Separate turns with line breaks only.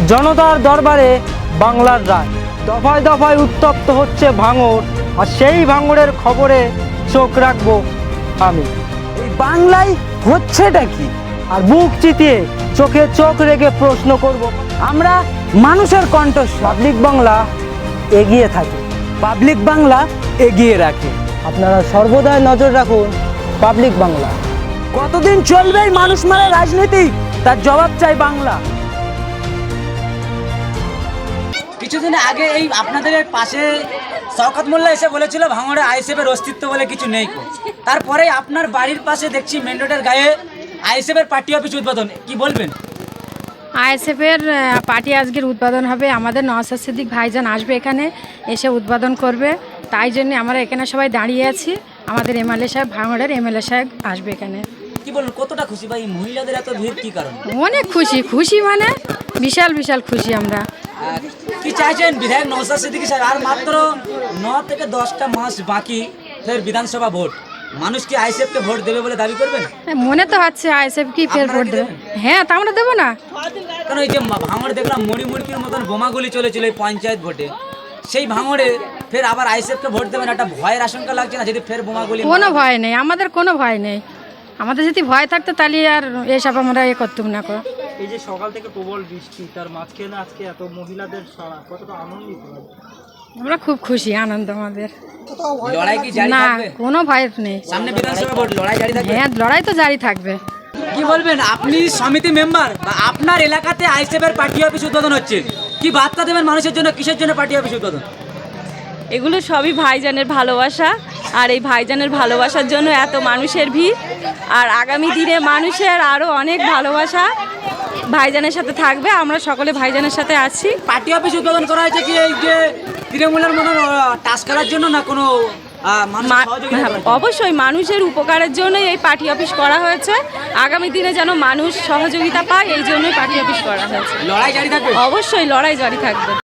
জনতার দরবারে বাংলার রায়। দফায় দফায় উত্তপ্ত হচ্ছে ভাঙড়, আর সেই ভাঙড়ের খবরে চোখ রাখবো আমি।
এই বাংলায় হচ্ছেটা কি?
আর বুক চিতিয়ে চোখে চোখ রেখে প্রশ্ন করব।
আমরা মানুষের কণ্ঠস্বর।
পাবলিক বাংলা এগিয়ে থাকে,
পাবলিক বাংলা এগিয়ে রাখে।
আপনারা সর্বদাই নজর রাখুন পাবলিক বাংলা।
কতদিন চলবে এই মানুষ মারা রাজনীতি? তার জবাব চাই বাংলা।
কিছুদিন আগে এই আপনাদের পাশে শওকত মোল্লা এসে বলেছিল ভাঙড়ে আইএসএফের অস্তিত্ব বলে কিছু নেই। তারপরে আপনার বাড়ির পাশে দেখছি মেন রোডের গায়ে আইএসএফের পার্টি অফিস উদ্বোধন, কি বলবেন?
আইএসএফের পার্টি আজকের উদ্বোধন হবে। আমাদের নওশাদ সিদ্দিক ভাইজান আসবে এখানে, এসে উদ্বোধন করবে। তাই জন্য আমরা এখানে সবাই দাঁড়িয়ে আছি। আমাদের এমএলএ সাহেব, ভাঙড়ের এমএলএ সাহেব আসবে এখানে।
কি বলুন, কতটা খুশি ভাই? মহিলাদের এত ভিড় কি কারণ?
অনেক খুশি, খুশি মানে বিশাল বিশাল খুশি আমরা।
কি চাইছেন বিধায়ক নওশাদ সিদ্দিকী সাহেব? আর মাত্র 9 থেকে 10টা মাস বাকি ফের বিধানসভা ভোট। মানুষ কি আইএসএফকে ভোট দেবে বলে দাবি করবেন?
মনে তো হচ্ছে আইএসএফ কি ফের ভোট দেবে। হ্যাঁ, তা আমরা দেবো না।
কারণ এই যে ভাঙড়ে দেখলাম মুড়ির মতন বোমাগুলি চলেছিল এই পঞ্চায়েত ভোটে, সেই ভাঙড়ে ফের আবার আইএসএফকে ভোট দেবেন, একটা ভয়ের আশঙ্কা লাগছে না যদি ফের বোমাগুলি?
কোনো ভয় নেই, আমাদের কোনো ভয় নেই। আমাদের যদি ভয় থাকতো তাহলে আর এসব আমরা করতাম না।
এই যে সকাল থেকে প্রবল বৃষ্টি, তার মাঝখানে আজকে এত মহিলাদের সারা, কতটা আনন্দিত?
আমরা খুব খুশি, আনন্দ আমাদের।
লড়াই কি জারি
না,
থাকবে?
কোনো ভয় নেই।
সামনে বিধানসভা ভোট, লড়াই জারি থাকবে?
হ্যাঁ, লড়াই তো জারি থাকবে।
কি বলবেন, আপনি সমিতি মেম্বার বা আপনার এলাকাতে আইএসএফ এর পার্টি অফিস উদ্বোধন হচ্ছে, কি বার্তা দেবেন মানুষের জন্য? কিসের জন্য পার্টি অফিস উদ্বোধন?
এগুলো সবই ভাইজানের ভালোবাসা, আর এই ভাইজানের ভালোবাসার জন্য এত মানুষের ভিড়। আর আগামী দিনে মানুষের আরও অনেক ভালোবাসা ভাইজানের সাথে থাকবে। আমরা সকলে ভাইজানের সাথে আছি।
পার্টি অফিস উদ্বোধন করা হয়েছে কি এই যে তৃণমূলের মতন টাস্ক করার জন্য, না কোনো
অবশ্যই মানুষের উপকারের জন্যই এই পার্টি অফিস করা হয়েছে। আগামী দিনে যেন মানুষ সহযোগিতা পায়, এই জন্যই পার্টি অফিস করা হয়েছে।
লড়াই জারি থাকবে?
অবশ্যই লড়াই জারি থাকবে।